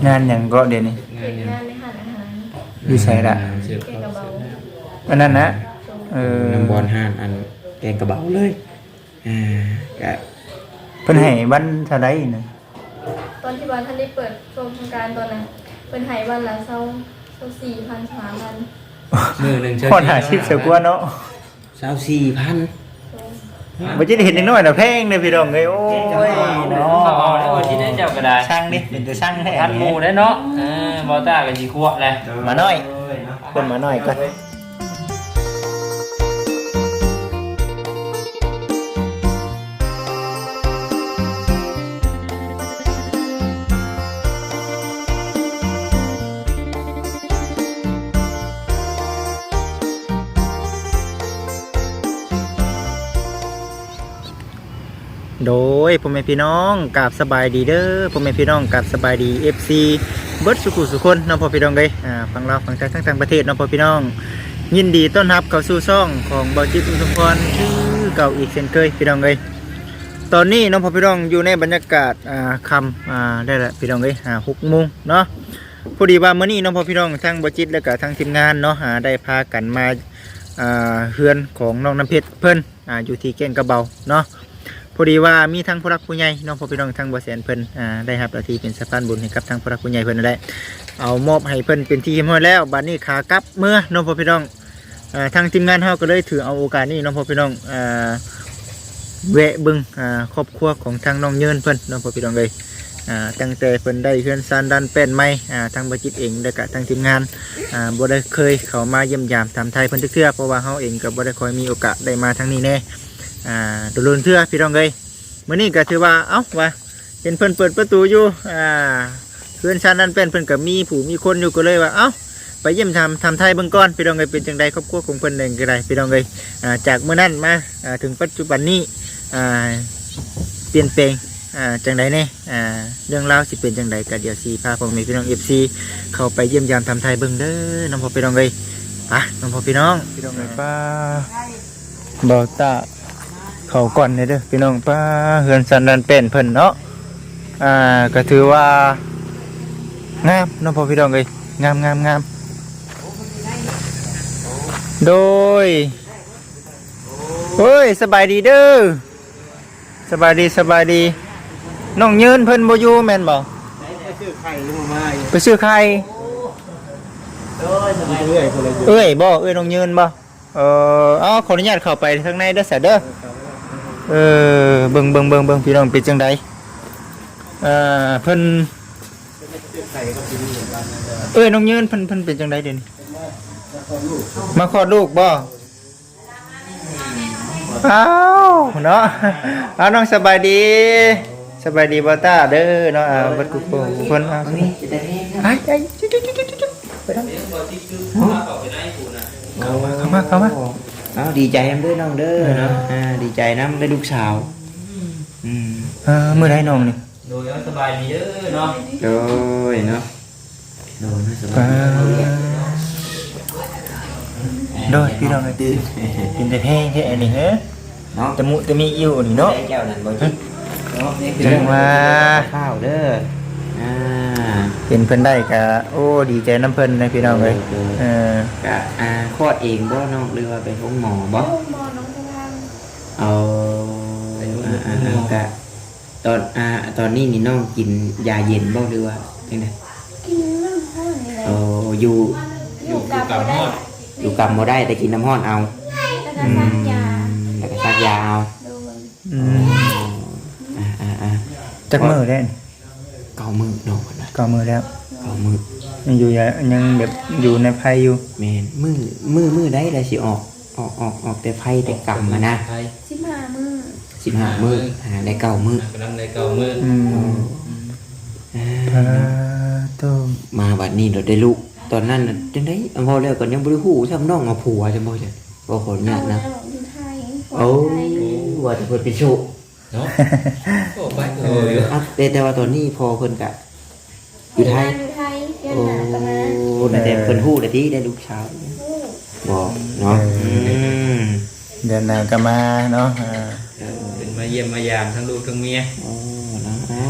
งานหยังก็เดี๋ยวนี้งานในห้างอาหารอยู่ไสล่ะเก็บกระเป๋าอันนั้นนะน้ำบอลห้านอันแกงกระเบาเลยก็เพิ่นให้วันเท่าใดน่ะตอนที่บ้านท่านได้เปิดโครงการตอนนั้นเป็นหายวันละ4,000 3,000 มือหนึ่งคนหาชีพเสียกว่าเนาะ 24,000 บ่จิได้เห็นน้อยๆน่ะแพงเด้อพี่น้องเอ้ยโอ้ยเนาะเอาได้วันที่ได้เจ้าก็ได้ช่างดิเป็นแต่ช่างแท้ทันหมู่ได้เนาะบอต้ากับจีคั่วเลยมาหน่อยเพิ่นมาหน่อยก่อนโดยพ่อแม่พี่น้องกราบสบายดีเด้อพ่อแม่พี่น้องกราบสบายดี FC เบิดสุขุสุคนน้องพ่อพี่น้องเอ้ยฟังเราฟังใจทั้งต่างประเทศน้องพ่อพี่น้องยินดีต้อนรับเข้าสู่ช่องของเบาจิตอุทุมพรชื่อเก่าอีกเช่นเคยพี่น้องเอ้ยตอนนี้น้องพ่อพี่น้องอยู่ในบรรยากาศค่ำได้ละพี่น้องเอ้ย6 โมงเนาะพอดีว่ามื้อนี้น้องพ่อพี่น้องทั้งเบาจิตและก็ทั้งทีมงานเนาะได้พากันมาเฮือนของน้องน้ำเพชรเพิ่นอยู่ที่แก่งกระเบาเนาะพอดีว่ามีทั้งผู้รักผู้ใหญ่น้องพ่อพี่น้องทั้งบ่แสนเพิ่นได้รับหน้าที่เป็นสะพานบุญให้กับทั้งผู้รักผู้ใหญ่เพิ่นนั่นแหละเอามอบให้เพิ่นเป็นที่เรียบร้อยแล้วบัดนี้ขากลับเมื่อน้องพ่อพี่น้องทางทีมงานเฮาก็เลยถือเอาโอกาสนี้น้องพ่อพี่น้องแวะเบิ่งครอบครัวของทางน้องเยินเพิ่นน้องพ่อพี่น้องเอ้ยตั้งแต่เพิ่นได้เฮือนซานดันแป้นไม้ทางบ่จิตเองแล้วก็ทางทีมงานบ่ได้เคยเข้ามาเยี่ยมยามถามไทยเพิ่นเทื่อเพราะว่าเฮาเองก็บ่ได้ค่อยมีโอกาสได้มาทางนี้แน่โดนเทื่อพี่น้องเอ้ยมื้อนี้ก็ถือว่าเอ้าว่าเห็นเพิ่นเปิดประตูอยู่เฮือนซานดันแป้นเพิ่นก็มีผู้มีคนอยู่ก็เลยว่าเอ้าไปเยี่ยมทำไทยเบิ่งก่อนพี่น้องเอ้ยเป็นจังไดครอบครัวของเพิ่นเองก็ได้พี่น้องเอ้ยจากมื้อนั้นมาถึงปัจจุบันนี้เปลี่ยนแปลงจังไดแน่เรื่องราวสิเป็นจังไดก็เดี๋ยวสิพาพ่อแม่พี่น้อง FC เข้าไปเยี่ยมยามทำไทยเบิ่งเด้อน้องพ่อพี่น้องเอ้ยไปน้องพ่อพี่น้องเอ้ยป้าบ่าวตาเข้าก่อนเด้อพี่น้องป้าเฮือนสันดันเป็นเพิ่นเนาะก็ถือว่างามน้องพ่อพี่น้องเอ้ยงามโดยเฮ้ยสบายดีเด้อสบายดีน้องยืนเพิ่นบ่อยู่แม่นบ่ไปซื้อไข่เอ้ยบ่เอ้ยน้องยืนบ่ขออนุญาตเข้าไปข้างในเด้อสะเด้อเบิ่งพี่น้องเป็นจังไดเพิ่นน้องยืนเพิ่นเป็นจังไดเดี๋ยวนี้มาคลอดลูกบ่อ้าวเนาะน้องสบายดีบ่ตาเด้อเนาะบัดกุคนไปเข้ามาดีใจน้ำด้วยน้องเด้อเนาะดีใจน้ำได้ลูกสาวมื้อใดน้องนี่โดยสบายดีเด้อเนาะโดยเนาะสบายโดยพี่น้องตื่นกินแต่แห้งแท้นี่เฮ้เนาะจะมีอิ่วนี่เนาะแก้วนั่นบ่จิจังว่าข้าวเด้อเห็นเพิ่นได้ก็โอ้ดีใจน้ำเพิ่นนะพี่น้องเอ้ยก็คลอดเองบ่น้องหรือว่าไปห้องหมอบ่หมอน้องทางเอาก็ตอนนี้นี่น้องกินยาเย็นบ่หรือว่าจังได๋กินน้ำห้อนนี่แหละอยู่กับฮอดอยู่กำบ่ได้แต่กินน้ำห้อนเอาแล้วก็ซักยาเอาจักมื้อได้ 9 มื้อน้องนะ 9 มื้อแล้ว 9 มื้อยังแบบอยู่ในภัยอยู่แม่นมื้อใดแล้วสิออกแต่ภัยแต่กรรมนะ 15 มื้อ 15 มื้อได้9 มื้อกำลังได้9 มื้อมาบัดนี้เราได้ลูกตอนนั้นน่ะจังได๋พอแล้วก็ยังบ่ได้ฮู้ซ้ำน้องเอาผัวจังบ่จ้ะบ่ขออนุญาตนะโอ้ว่าจะเพิ่นเป็นโชคเนาะโอ้ไปแต่ว่าตอนนี้พอเพิ่นก็อยู่ไทยโอ้แต่เพิ่นฮู้ได้ที่ได้ลูกสาวบอกเนาะเดือนหน้าก็มาเนาะเป็นมาเยี่ยมมายามทั้งลูกทั้งเมียเนาะ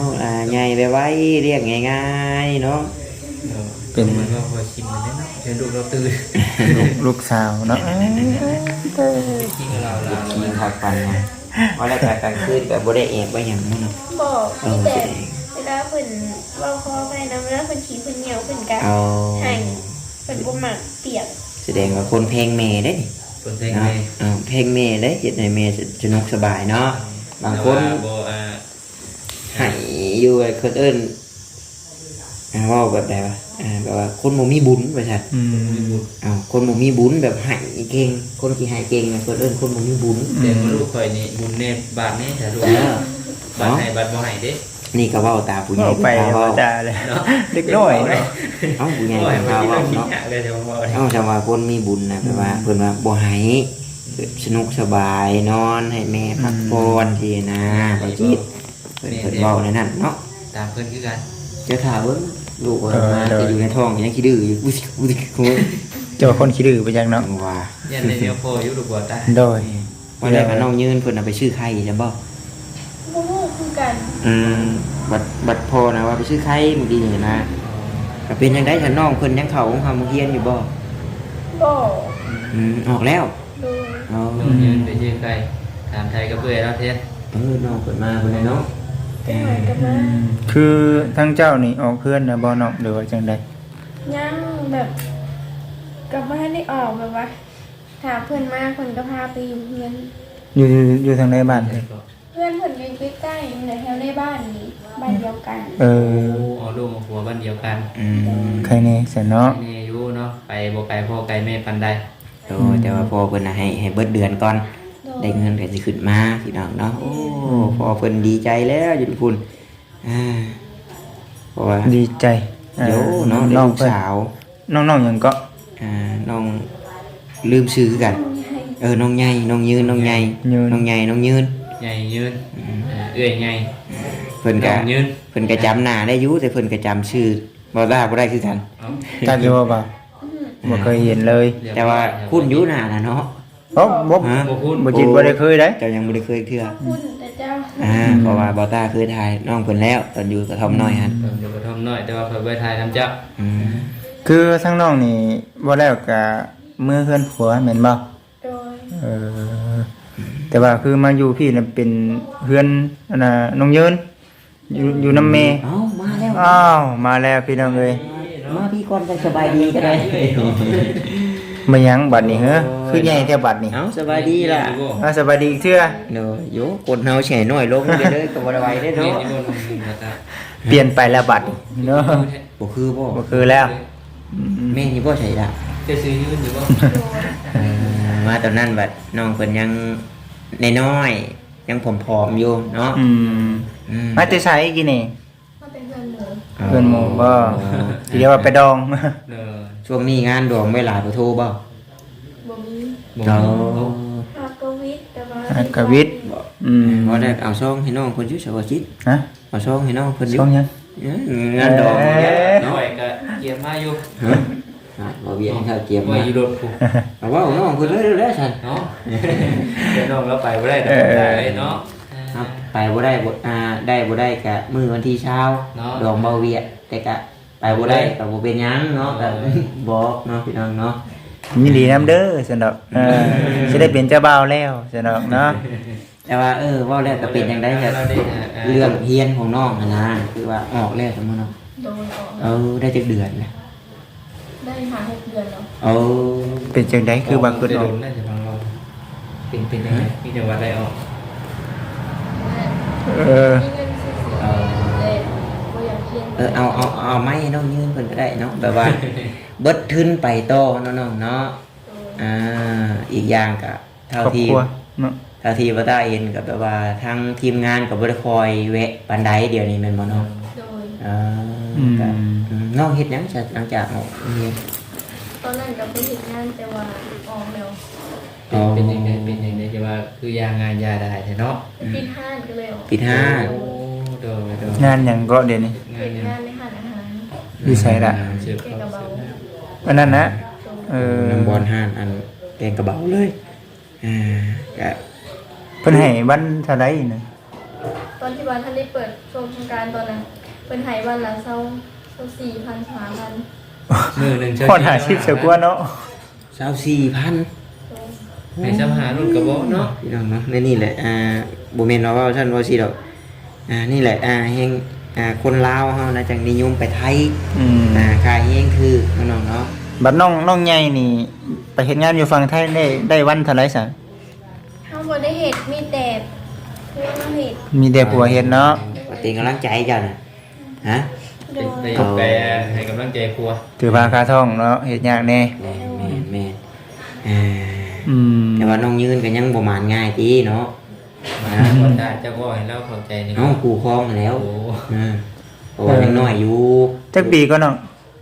ใหญ่ไปไว้เรียกง่ายๆเนาะเป็นมันก็พอชิมมันได้เนาะเดี๋ยวลูกเราตื่นลูกสาวเนาะกินเราเรากินข้าวปันนะว่าแล้วกลางคืนก็บ่ได้แอบไว้หยังมื้อเนาะบอกมีแต่เวลาเพิ่นเว้าคอไปนะเวลาเพิ่นขี้เพิ่นเหนียวเพิ่นกะเอาให้เพิ่นบ่มักเปียกแสดงว่าคนเพลงแม่เด้นี่คนเพลงเนาะไงเพลงแม่เด้เฮ็ดให้แม่สนุกสบายเนาะบางคนโบให้อยู่ไอ้คนอื่นเว้าแบบใดวะแบบว่าคนบ่มีบุญว่าซั่นอืมคนบ่มีบุญแบบให้เก่งคนที่ให้เก่งเนี่ยคนอื่นคนบ่มีบุญเดี๋ยวลูกคอยนี่บุญเนบาทนี่แต่ลูกบาทให้บาทบ่ให้เด้นี่ก็เว้าตาผู้ใหญ่เอาไปผู้เฒ่าธรรมเว้าดาเลยเด็กน้อยเนาะเอ้าผู้ใหญ่บ่ให้ผู้มาเฒ่าที่เว้าเราคิดเนาะหนักเลยเดี๋ยวบ่ได้เอ้าจำว่าคนมีบุญนะแปลว่าเพิ่นว่าบ่ให้สนุกสบายนอนให้แม่พักผ่อนทีนะบ่จิตเพิ่นเว้าในนั้นเนาะตามเพิ่นคือกันเจ้าถ่าเบิ่งลูกว่ามาจะอยู่ในท้องยังขี้ดื้ออยู่อุ๊ยอุ๊ยโอ้ยเจ้าคนขี้ดื้อไปจังเนาะว่ายันในเดียวพออยู่ลูกบ่ตาโดยวันแรกก็น้องยืนเพิ่นเอาไปชื่อไข่จะบ่บ่ฮู้คือกันบัดพอนะว่าไปชื่อไข่มื้อดีนี่นะก็เป็นจังได๋ถ้าน้องเพิ่นยังเข้าโรงเรียนอยู่บ่บ่ออกแล้วโดยอ๋อน้องยืนไปยืนใครถามไทยกับเพื่อนแล้วเทศน้องเพิ่นมาเพิ่นเลยเนาะเป็นหน่อยกันมาคือทั้งเจ้านี่ออกเพื่อนนะบ่เนาะหรือว่าจังใดยังแบบก็บ่ทันได้ออกแบบว่าถ้าเพิ่นมาเพิ่นก็พาไปอยู่เฮือนอยู่ทางในบ้านเลยเพื่อนเพิ่นอยู่ใกล้ๆในแถวในบ้านนี้บ้านเดียวกันเออเอาลูกมาผัวบ้านเดียวกันใครนี่เสร็จเนาะแม่อยู่เนาะไปบ่ไกลพ่อไกลแม่ปันใดแต่ว่าพ่อเพิ่นน่ะให้เบิดเดือนก่อนโดยได้เงินก็สิขึ้นมาพี่น้องเนาะโอ้พ่อเพิ่นดีใจแล้วอยู่ทุกคนเพราะว่าดีใจเดี๋ยวเนาะได้น้องลูกเพิ่นสาวน้องๆหยังก็น้องลืมชื่อกัน น้องใหญ่น้องยืนน้องใหญ่ยืนน้องใหญ่น้องยืนใหญ่ยืนเอื้อยใหญ่เพิ่นก็น้องยืนเพิ่นก็จำหน้าได้อยู่แต่เพิ่นก็จำชื่อบ่ได้คือกันจักอยู่บ่บ่เคยเห็นเลยแต่ว่าคุ้นอยู่หน้าน่ะเนาะโอ้บ่ฮะบ่พูดบ่จิตบ่ได้เคยได้เจ้ายังบ่ได้เคยเทื่อคุณแต่เจ้าเพราะว่าบ่ตาเคยถ่ายน้องเพิ่นแล้วตอนอยู่กระท่อมน้อยหั่นผมอยู่กระท่อมน้อยแต่ว่าเพิ่นไปถ่ายน้ำเจ้าคือทั้งน้องนี่บ่แล้วก็มือเฮือนผัวแม่นบ่โดยเออแต่ว่าคือมาอยู่พี่น่ะเป็นเฮือนอันน่ะน้องยืนอยู่นำแม่เอ้ามาแล้วอ้าวมาแล้วพี่น้องเอ้ยมาพี่ก่อนจะสบายดีก็ได้มาหยังบัดนี้เหรอคือใหญ่แท้บัดนี้เอ้าสบายดีล่ะสวัสดีอีกเทื่อเนาะโยกดเฮาแฉน้อยลงเด้อก็บ่ได้ไหวเด้อเนาะเนาะเปลี่ยนไปแล้วบัดนี้เนาะบ่คือบ่บ่คือแล้วแม่นี่บ่ใช่ล่ะจะซื้อยืนอยู่บ่มาตอนนั้นบัดน้องเพิ่นยังน้อยๆยังผอมๆอยู่เนาะมาแต่ไสกี่นี่มาเป็นเพื่อนหมูเพื่อนหมู่บ่เรียกว่าไปดองเนาะช่วงนี้งานดองไว้หลายบ่โทรบ่บ่มีบ่เนาะฮากวิทย์แต่ว่าอักวิทย์บ่ได้เอาซองให้น้องเพิ่นอยู่สวัสดิ์ฮะเอาซองให้น้องเพิ่นอยู่ช่องยังงานดองเนี่ยน้เนาะอยก็เกียร์มาอยู่บ่เวียนข้าวเกียมว่ามาอยู่รถกูเอาว่าน้องเพิ่นเลยแล้วซั่นเนาะเดี๋ยวน้องเราไปบ่ได้ดอกได้เนาะครับไปบ่ได้บ่ได้บ่ได้กะมื้อวันที่เช้าเนาะดองเบาเวียดแต่กะไปบ่ได้ก็บ่เป็นหยังเนาะก็บอกเนาะพี่น้องเนาะยินดีนำเด้อซั่นดอกสิได้เป็นเจ้าบ่าวแล้วซั่นดอกเนาะแต่ว่าเว้าแล้วก็เป็นจังได๋ครับเราได้เรื่องเฮียนของน้องหั่นนะคือว่าออกแล้วซั่นมื้อเนาะโดยออกได้จักเดือนแล้วได้หา6 เดือนแล้วเป็นจังได๋คือว่าคือโดออกนน่าจะฟังเราเป็นยังไงมีจังหวัดใดออกเออมีเงินซื้อเสียเลยบ่อยากเรียนเอาไม้ให้น้องยืนเพิ่นก็ได้เนาะแบบว่า เบิดทุนไปต่อเนาะน้องเนาะอีกอย่างก็ครอบครัวเนาะเท่าที่ว่าได้เห็นก็แบบว่าทางทีมงานก็บ่ได้คอยแวะปานใดเดี๋ยวนี้แม่นบ่เนาะโดยก็น้องเฮ็ดหยังซะหลังจากออกเรียนตอนนั้นก็ไปเฮ็ดงานแต่ว่าออกแล้วเป็นยังไงเป็นยังไงจะว่าคือยางานยาได้เนาะปิดห้างก็เลยออกปิดห้างโอ้โดยงานหยังก็เดี๋ยวนี้งาเฮ็นดยังงานในห้างอาหารอยู่ไสล่ะเชื่อเกี่ยวเขากับเบาอันนั้นนะโดยน้ำบอลห้านอันแกงกระเบาเลยก็เพิ่นให้วันเท่าใดน่ะตอนที่ว่าท่านได้เปิดชมโครงการตอนนั้นเพิ่นให้วันละ24,000 3,000 มือหนึ่งคนหาชีพเสียกว่าเนาะ 24,000 ให้ซ้ำหารุ่นกระบอกเนาะพี่น้องเนาะในนี่แหละบ่แม่นว่าท่านว่าสิดอกนี่แหละแฮงคนลาวเฮานะจังนิยมไปไทยค่าแฮงคือน้องเนาะบัดน้องใหญ่นี่ไปเฮ็ดงานอยู่ฝั่งไทยได้วันเท่าไหร่ซะเฮาบ่ได้เฮ็ดมีแต่เพื่อนมาเฮ็ดมีแต่ผัวเฮ็ดเนาะว่าเป็นกำลังใจเจ้าน่ะฮะโดยไปให้กำลังใจครัวถือพาคาท่องเนาะเฮ็ดยากแน่แม่แต่ว่าน้องยืนก็ยังบ่มานง่ายติเนาะมาบ่ได้เจ้าก็ให้เราเข้าใจนี่เอ้าคู่ครองแล้วโอ้เพราะว่ายังน้อยอยู่จักปีก็น้อง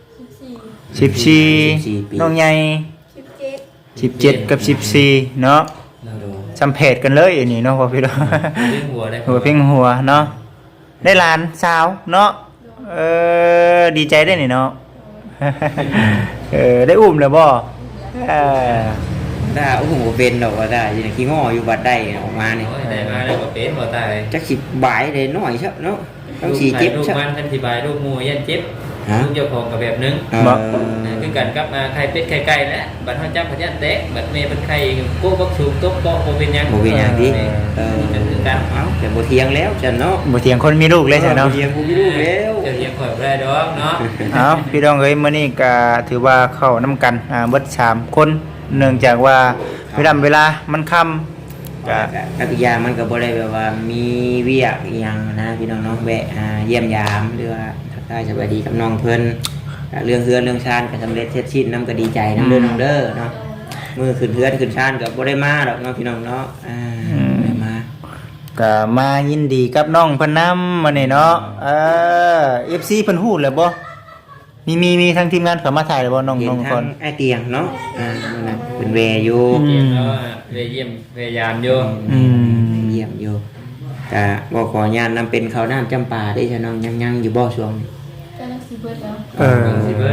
14 ปี 14น้องใหญ่ 17 17กับ14เนาะเราดูจำเพจกันเลยอันนี้เนาะพ่อพี่น้องเรื่องหัวได้หัวเพ่งหัวเนาะได้หลานสาวเนาะดีใจได้นี่เนาะ ได้อุ้มเลยบ่เออได้โอ้โหเป็นดอกว่าได้ยังขี้ง้ออยู่บัดได้ออกมานี่โอ้ยได้มาแล้วก็เป็นบ่ตายจักสิบายได้น้อยเนาะต้องสิเจ็บลูกซะมันอธิบายลูกหมูยันเจ็บฮะลูกเจ้าของกับแบบนึงคือกันกับไข่เป็ดไข่ไก่แหละบัดเฮาจับพยันแตกบัดเมย์เป็นไข่โก้บักสูงตบบ่เป็นหยังบ่เป็นหยังติมันคือกันเอ้าแต่บ่เถียงแล้วจันเนาะบ่เถียงคนมีลูกเลยใช่เนาะบ่เถียงผู้มีลูกแล้วเจ้าเฮียข่อยบ่ได้ดอกเนาะเอาพี่น้องเอ้ยมื้อนี้ก็ถือว่าเข้านํกันเบิด3คนเนื่องจากว่าเวลามันค่ำก็กับอีกอย่างมันก็บ่ได้แบบว่ามีเวียกอีหยังนะพี่น้องเนาะแวะเยี่ยมยามหรือว่าทักทายสวัสดีกับน้องเพิ่นเรื่องเฮือนเรื่องชานก็สำเร็จเสร็จสิ้นนำก็ดีใจนำเด้อน้องเด้อเนาะมื้อขึ้นเฮือนขึ้นชานก็บ่ได้มาดอกเนาะพี่น้องเนาะได้มาก็มายินดีกับน้องเพิ่นนำมื้อนี้เนาะFC เพิ่นฮู้แล้วบ่มีทั้งทีมงานเข้ามาถ่ายแล้วบ่น้องเห็นน้องทาคงนไอ้เตียงเนาะนั่นน่ะเป็นแวอยู่เยี่ยมแล้วไปเยี่ยมพยายามอยู่เยี่ยมอยู่ก็บ่ขออนุญาตนำเป็นข้าวน้ำจำปาได้ซะน้องยังอยู่บ่ช่วงนี้กำลังสิเบิดแล้วสิเบิด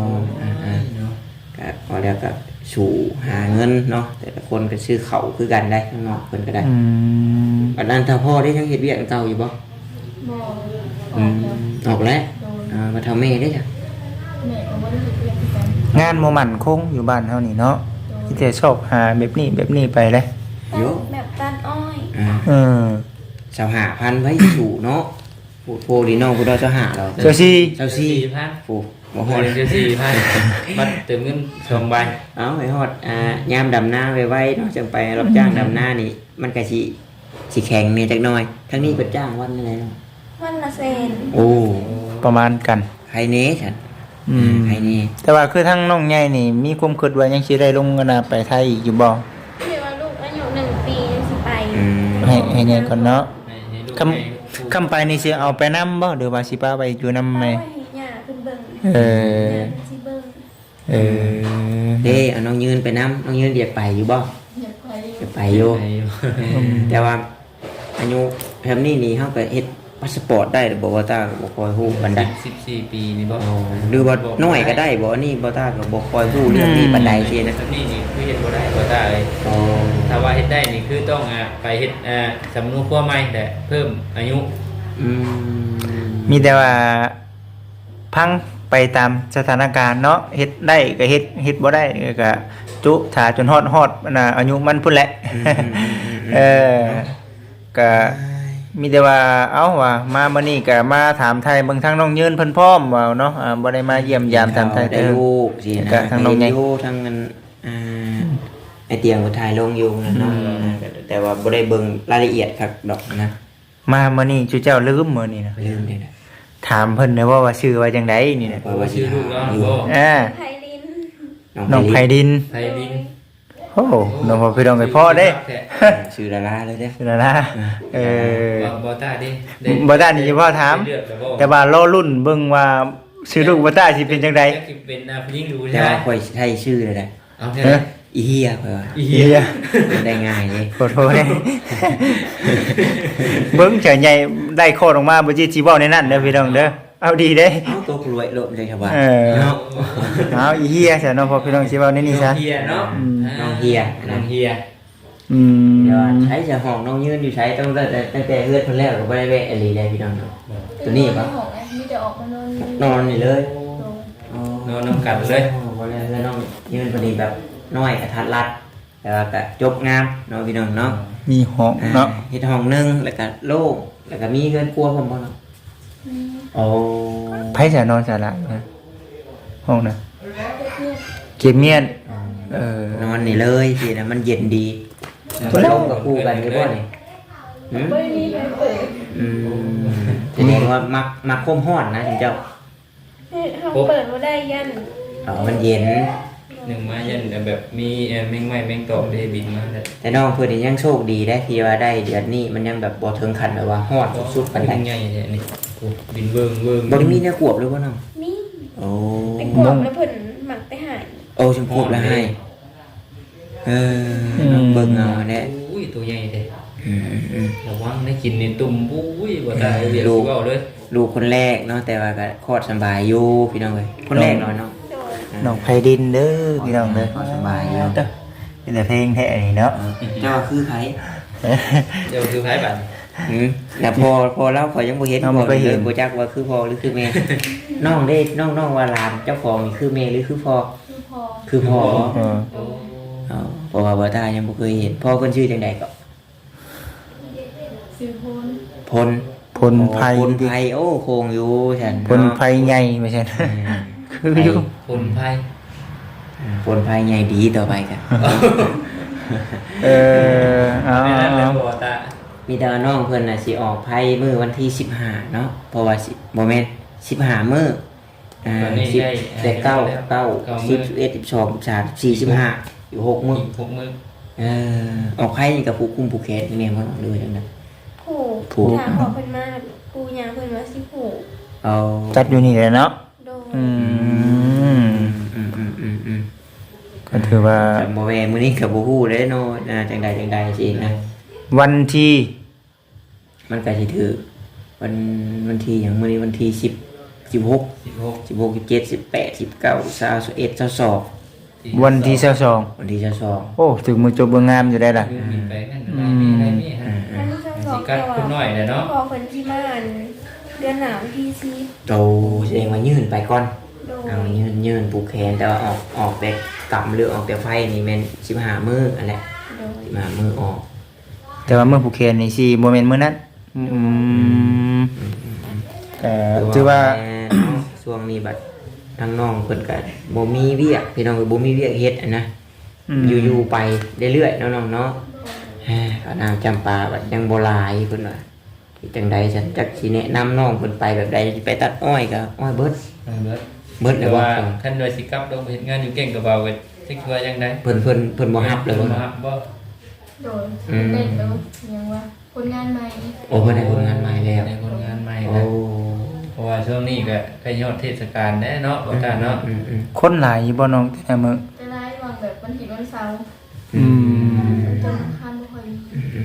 ก็พอแล้วก็สู่หาเงินเนาะแต่ละคนก็ซื้อเขาวคือกันได้ข้างนอกเพิ่นก็ได้บัดนั้นถ้าพ่อได้ยังเฮ็ดเวียกเก่าอยู่บ่บ่ออือกมแล้วออกแล้วโดยมาเท่าแม่ได้จ้ะแม่ก็บ่ได้เฮ็ดเวียกคือกันงานบ่มั่นคงอยู่บ้านเฮานี่เนาะที่แต่ชอบหาแบบนี้ไปเลยโยแบบตัดอ้อยสาวหาพันไว้สู่เนาะพูดโพดีน้องพูดเราจะหาเราเจ้าซี่เจ้าซี่ 4,000 โอ้บ่บ่ฮฮออดด4,000บัดเติมเงิน2ใบเอาไปฮอดยามดำหน้าไว้เนาะจังไปรับจ้างดำหน้านี่ มันก็สิแข็งเนี่ยจักหน่อยทั้งนี้เปิดจ้างวันอะไรเนาะวันละแสนโอ้ประมาณกันใครเน้ฉันใครเน้แต่ว่าคือทั้งน้องใหญ่นี่มีความคิดว่ายังสิได้ลงกันไปไทยอีกอยู่บ่เรียกว่าลูกอายุ1 ปียังสิไปให้ใหญ่ก่อนเนาะให้ลูกคำไปนี่สิเอาไปนำบ่หรือว่าสิพาไปอยู่นำแม่เอาไว้ให้ย่าเพิ่นเบิ่งเออย่าเพิ่นสิเบิ่งเออเด้เอาน้องยืนไปน้ำน้องยืนเรียกไปอยู่บ่อยากไปจะไปอยู่ให้อยู่แต่ว่าอายุแบบนี้นี่เขาก็เฮ็ดพาสปอร์ตได้หรือบ่ว่าตาก็บ่คอยฮู้ปานใด 14 ปีนี่บ่หรือว่าน้อยก็ได้บ่นี่บ่ตาก็บ่คอยฮู้เรื่องนี้ปานใดสินะนี่คือเฮ็ดบ่ได้บ่ได้เลยอ๋อถ้าว่าเฮ็ดได้นี่คือต้องไปเฮ็ดสำนวนครัวใหม่แต่เพิ่มอายุอืมมีแต่ว่าพังไปตามสถานการณ์เนาะเฮ็ดได้ก็เฮ็ดบ่ได้ก็จุถ่าจนฮอดอายุมันพุ่นแหละ ก็มีแต่ว่าเอ้าว่ามามื้อนี้ก็มาถามไทยเบิ่งทางน้องยืนเพิ่นพร้อมว่าเนาะบ่ได้มาเยี่ยมยามถามไทยได้ลูกสินะก็ทางน้องใหญ่อยู่ทางนั้นไอเตียงก็ถ่ายลงอยู่นะเนาะแต่ว่าบ่ได้เบิ่งรายละเอียดคักดอกนะมามื้อนี้จุเจ้าลืมมื้อนี้นะลืมเลยนะถามเพิ่นได้ว่าชื่อว่าจังไดนี่นะว่าสิชื่อลูกน้องบ่ไผลินน้องไผดินไทยดินโอ้น้องพ่อพี่น้องไอ้พ่อเด้ชื่อดาราเลยเด้นั่นนะเออบ่ตาดิบ่ได้นี่พ่อถาม แต่ว่ารอรุ่นเบิ่งว่าชื่อลูกบ่ได้สิเป็นจังได๋เป็นผู้หญิงดูแต่ใช่ไหมว่าค่อยใช้ชื่อเลยนะเอาแค่นั้นอีเฮียค่อยว่าอีเฮีเหี้ยยได้ง่ายเลยขอโทษเด้เบิ่งเฉยใหญ่ได้โคตรออกมาบ่จิสิเว้าในนั้นเด้อพี่น้องเด้อเอาดีเด้เอาตัวกรวยโลดเลยครับว่าเออเอาอีเฮียซะเนาะพ่อพี่น้องสิเว้าในนี้ซะเฮียเนาะน้องเฮียน้องเฮียเดี๋ยวใช้จะห้องน้องยืนอยู่ใช้ตั้งแต่เฮือดเพิ่นแล้วก็บ่ได้แวะอะไรได้พี่น้องเนาะตัวนี้ปะของไอ้มีแต่ออกมานอนนอนนี่เลยนอนน้ำกันเลยบ่ได้เฮือดน้องยืนพอดีแบบน้อยกระทัดรัดแต่ว่าก็จบงามเนาะพี่น้องเนาะมีห้องเนาะเฮ็ดห้องนึงแล้วก็โล่งแล้วก็มีเฮือนครัวพร้อมบ่เนาะโอ้ไผจะนอนสาระนะห้องน่ะเก็บเมียนนอนนี่เลยสินะมันเย็นดีบ่ลงกับคู่กันคือบ่นี่หืมไม่มีใครเปิดแสดงว่ามักคมฮ้อนนะถึงเจ้าเขาเปิดมาได้ยันมันเย็นหนึ่งมายันแบบมีแมงไม้แมงตอกได้บินมาเลยแต่น้องเพื่อนนี่ยังโชคดีได้ที่ว่าได้เดือนนี้มันยังแบบบ่ถึงขั้นแบบว่าฮอดสุดๆปานใดใหญ่เนี่ยนี่บินเวิงเวิงบ่ได้มีเนื้อขวบหรือว่าน้องมีโอ้แต่กวางแล้วเพิ่นหมักไปหายโอ้ชมพูแล้วให้น้องเบิ่งเอาแน่อุ้ยตัวใหญ่เลยอืมระวังได้กินในตุ่มอุ้ยบ่ตายเรียกเว้าเลยลูกคนแรกเนาะแต่ว่าก็คลอดสบายอยู่พี่น้องเอ้ยคนแรกเนาะน้องโดยน้องไผดินเด้อพี่น้องเด้อคลอดสบายอยู่เด้อเป็นแต่เพลงแท้นี่เนาะเจ้าคือไผเดี๋ยวคือไผบัดแล้วพอแล้วพอยังบ่เห็นบ่จักว่าคือพ่อหรือคือแม่น้องได้น้องว่าหลานเจ้าของนี่คือแม่หรือคือพ่อคือพอคือพ่อเออเพราะว่าบ่ตายังบ่เคยเห็นพ่อเพิ่นชื่อจังไดก็ซื้อโพนพลพลไผพลไผโอ้โคงอยู่ฉันพลไผใหญ่ไม่ใช่คืออยู่คนไผพลไผใหญ่ดีต่อไปกันเอาไม่นั่นเลยๆบ่ตามีแต่ว่าน้องเพิ่นน่ะสิออกไผมื้อวันที่15เนาะเพราะว่าบ่แม่น15มื้อ10แต่9 10 11 12 13 14 15อยู่6มื้ออีก6มื้อออกไผนี่กับผู้คุมผู้แขนนี่แม่นบ่น้องเลยจังนั้นผูกผูกถามขอเพิ่นมาปูยางเพิ่นว่าสิผูกเอาจัดอยู่นี่แหละเนาะโดยอืมอืมก็ถือว่าแต่บ่แม่มื้อนี้ก็บ่ฮู้เด้เนาะจังใดสินะวันที่มันก็สิถือวันที่หยังมื้อนี้วันที่10 16 16 17 18 19 20 21 22 วันที่22 วันที่22 โอ้ถึงมือจบเบงามอยู่ได้ล่ะบินไปนั่นได้มีฮะอันนี้ช่างสิบอกกัดแต่ว่าคุณน้อยแหละเนาะพอเพิ่นที่บ้านเดือนหนาวที่ซีโตแสดงว่ายื่นไปก่อนโดยเอายื่นปลูกแขนแต่ว่าออกแบบกำหรือออกแบบไฟนี่แม่น15มื้ออันแหละโดย 15มื้อออกแต่ว่าเมื่อผู้เคนนี่สิบ่แม่นมื้อนั้นแต่ถือว่าช่วงนี้บัดทางน้องเพิ่นก็บ่มีเวียกพี่น้องก็บ่มีเวียกเฮ็ดอะนะอยู่ๆไปเรื่อยๆเนาะน้องเนาะก็น้ำจำปาบัดยังบ่หลายเพิ่นว่าจังใดฉันจักสิแนะนำน้องเพิ่นไปแบบใดไปตัดอ้อยก็อ้อยเบิดเบิดเบิดเลแต่ยว่าว่าคันโดยสิกลับลงไปเฮ็ดงานอยู่เก่งกับเบาก็สิว่าจังได๋เพิ่นบ่ฮับเลยบ่ว่าฮับบ่โดยเล่นแล้วยังว่าคนงานใหม่โอ้เพิ่นได้ผลงานใหม่แล้วในคนงานใหม่โอ้นะเพราะว่าช่วงนี้ก็ใกล้ยอดเทศกาลแน่เนาะบ่ตาเนาะคนหลายอยู่บ่น้องแต่มื้อจะได้วางแบบวันที่วันเสาร์อืมวันจันทร์อังคารบ่ค่อยมี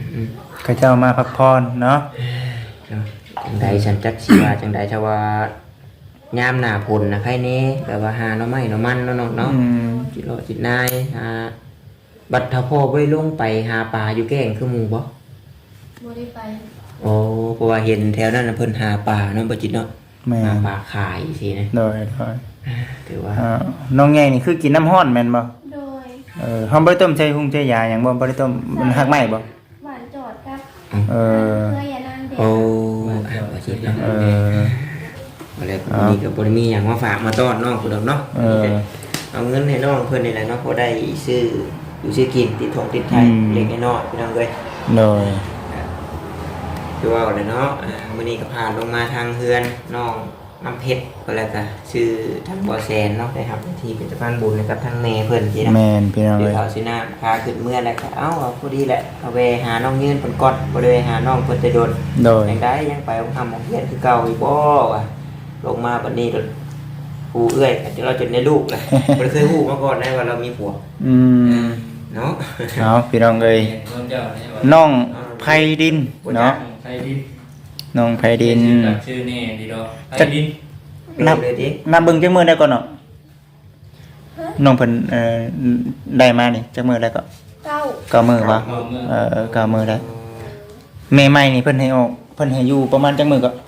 เขาเจ้ามาพักผ่อนเนาะจังใดฉันจักสิว่าจังใดชาว่ายามหน้าฝนนะใครแน่แบบว่าหาหน่อไม้หน่อมันเนาะน้องเนาะอืมจิโรจิตนายบัดถ้าพ่อบ่ได้ลงไปหาปลาอยู่แก่งคือหมู่บ่บ่ได้ไปโอ้เพราะว่าเห็นแถวนั้นน่ะเพิ่นหาปลาเนาะบ่จิตเนาะแม่หาปลาขายสินะโดยถือว่าน้องใหญ่นี่คือกินน้ำร้อนแม่นบ่โดยเฮาบ่ได้ต้มใส่หุงใส่ยาหยังบ่ได้ต้มมันหักไหม้บ่หวานจอดครับเออเพื่อยานางเด็กโอ้บ่จิตเนาะเอออะไรพวกนี้ก็บ่ได้มีหยังมาฝากมาต้อนน้องพุ่นดอกเนาะเออเอาเงินให้น้องเพิ่นนี่แหละเนาะพอได้ซื้ออยู่ซื้อกินติดทงติดไทยเล็กน้อยพี่น้องเอ้ยโดยคือว่าเลยเนาะมื้อนี้ก็ผ่านลงมาทางเฮือนน้องน้ำเพชรก็แล้วก็ชื่อทางบ่อแซนเนาะได้ครับที่เป็นสะพานบุญนะครับทางแม่เพิ่นสินะแม่นพี่น้องเดี๋ยเอ้วย เขาสินะพาขึ้นเมื่อแล้วก็เอาพอดีแหละเอาไปหาน้องยืนเพิ่นก่อนบ่ได้ไปหาน้องเพิ่นแต่โดนโดยยังได้ยังไปของทำของเฮียนคือเก่าอีกบ่ว่ะลงมาบัดนี้ผู้เอื้อยเราจนได้ลูกเลยบ่ได้เคยฮู้มาก่อนนะว่าเรามีผัวอืมเนาะเอาพี่น้องเอ้ยเพิ่นเจ้าเนี่ยว่าน้องไผดินเนาะไผดินน้องไผดินชื่อแน่ดีดอกไผดินนับเลยดินับเบิ่งจักมื้อได้ก่อนเนาะน้องเพิ่นได้มานี่จักมื้อได้ก็ตเก้า 9มื้อบ่9มื้อได้แม่ใหม่นี่เพิ่นให้ออกเพิ่นให้อยู่ประมาณจักมื้อก็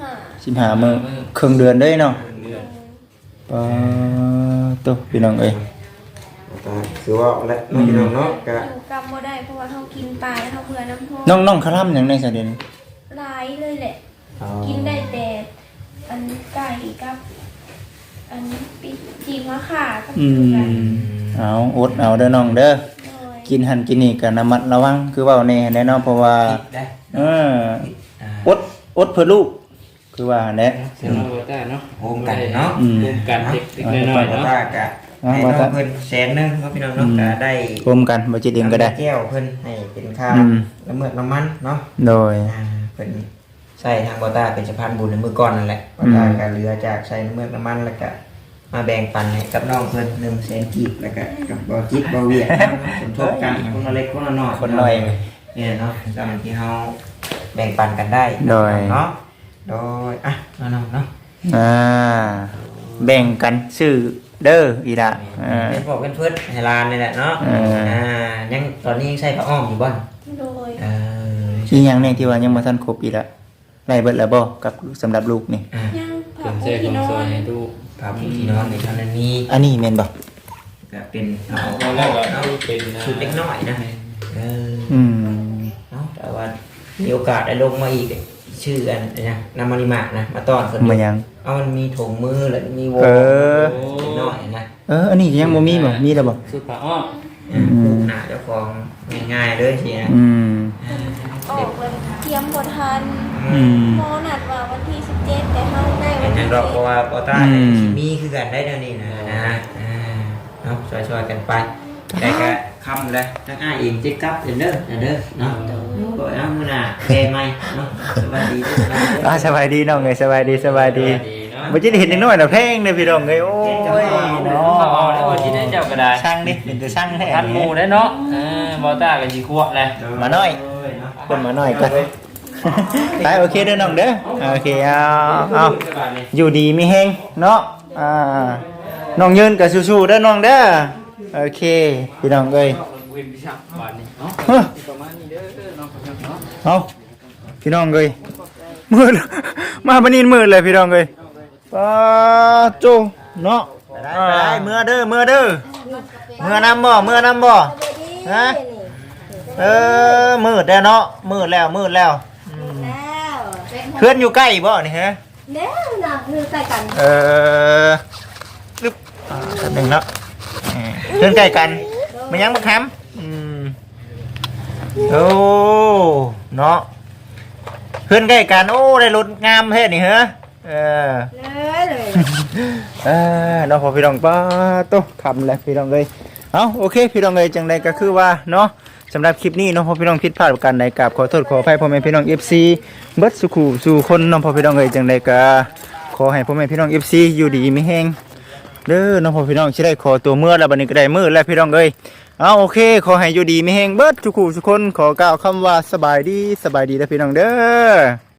15มื้อครึ่งเดือนเด้เนาะปะตุ๊พี่น้องเอ้ยคือว่าและน้องพี่น้องเนาะก็อยู่กำบ่ได้เพราะว่าเขากินปลาแล้วเขาเบื่อน้ำพองน้องคลำหยังในซะเดี๋ยวนี้หลายเลยแหละ กินได้แต่อันไก่กับอันปีจีมะข่ากับอืคือกันมเอาอดเอาเด้อน้องเด้อโดยกินหันกินนี่ก็ระมัดระวังคือเว้าแน่แน่เนาะเพราะว่าได้เอออดเพื่อลูกคือว่าแน่เสียงเราได้เนาะโฮมกันเนาะอืมรวมกันเด็กๆน้อยๆว่าเนาะตากะให้น้องเพิ่นแสนนึงเนาะพี่น้องเนาะก็ได้รวมกันบ่จิตเองก็ได้แก้วเพิ่นให้เป็นค่าอืมน้ำเมือกน้ำมันเนาะโดยเพิ่นใส่ทางบอต้าเป็นสะพานบุญในมือก่อนนั่นแหละบอต้าก็เหลือจากใส่น้ำเมือกน้ำมันแล้วก็มาแบ่งปันให้กับน้องเพิ่น100,000กีบแล้วก็กับบอจิตบอเวียดสมทบกันคนละเล็กคนละน้อยคนน้อยเนี่ยเนาะตามที่เฮาแบ่งปันกันได้โดยเนาะโดยน้องๆเนาะแบ่งกันซื้อเด้ออีละเป็นพวกเป็นเพื่อนให้ลานนี่แหละเนาะยังตอนนี้ยังใช้ผ้าอ้อมอยู่บ่อนโดยอีหยังแน่ที่ว่ายังบ่ทันครบอีละไล่เบิดแล้วบ่กับสำหรับลูกนี่ย่างเครื่ผัอก งบุใช้กีของนอซอยนให้ดูผ้าปูที่นอนในเท่านั้นนี้อันนี้แม่นบ่ก็เป็นเอาเอาแล้วก็ดูเป็นนะชุดเล็กน้อยนะอืมเนาะแต่ว่ามีโอกาสได้ลงมาอีกชื่ออันนะนามาริมะนะมาต้อนคนมายังเอามันมีถุงมือแล้วมีวงเออเล็กน้อยนะอันนี้ยังบ่มีบ่มีแล้วบ่สุดผ้าอ้อมผูกหน้าเจ้าของง่ายๆเลยทีนะอืมออกเลยเตรียมบทันอืมหมอนัดว่าวันที่17แต่เขาได้เป็วัน นจัที่งหรอกเพราะว่าปอต้าอืมมีคือกันได้เดี๋ยวนี้นะเนาะช่วยๆกันไปแต่ก็คำเลยทั้งอ้ายเองเจ๊กับเด้อเด้อเนาะก็เอามือหน้าแกใหม่เนาะสวัสดีด้วยสบายดีน้องเอ้ยสบายดีบ่จิตเห็นน้อยๆน่ะแพงเด้อพี่น้องเอ้ยโอ้ยเนาะเนาะเอาได้วันที่ได้เจ้าก็ได้ช่างดิเป็นแต่ช่างแท้ทันหมู่ได้เนาะบอต้ากับจีขวบเลยมาหน่อยคนมาหน่อยก็ไปโอเคเด้อน้องเด้อโอเคเอาอยู่ดีมีแฮงเนาะน้องยืนกับสู้ๆเด้อน้องเด้อโอเคพี่น้องเอ้ยเว้นพิชาบาทนี่เนาะประมาณนี้เด้อน้องเนาะเอาพี่น้องเอ้ยมืดมาบันนี้มืดเลยพี่น้องเอ้ยป้าโจเนาะไปได้เมื่อเด้อเมื่อน้ำบ่ฮะมืดแล้วเนาะมืดแล้วแล้วเพื่อนอยู่ใกล้บ่นี่ฮะแล้วนะคือใส่กันลึบหนึ่งเนาะเพื่อนใกล้กันมันยังบักแฮมโอ้เนาะเพื่อนใกล้กันโอ้ได้รถงามเฮ็ดนี่เหรอเลยเนาะพอพี่น้องป้าโตคำแล้วพี่น้องเลยเอาโอเคพี่น้องเลยจังใดก็คือว่าเนาะสำหรับคลิปนี้เนาะพอพี่น้องผิดพลาดประการใดกราบขอโทษขออภัยพ่อแม่พี่น้อง FC เบิดสุขุสู่คนเนาะพอพี่น้องเลยจังใดก็ขอให้พ่อแม่พี่น้อง FC อยู่ดีมีแฮงเด้อเนาะพอพี่น้องสิได้ขอตัวเมื่อแล้วบัดนี้ก็ได้มื้อแล้วพี่น้องเอ้ยเอาโอเคขอให้อยู่ดีมีแฮงเบิดสุขุสุคนขอกล่าวคำว่าสบายดีเด้อพี่น้องเด้อ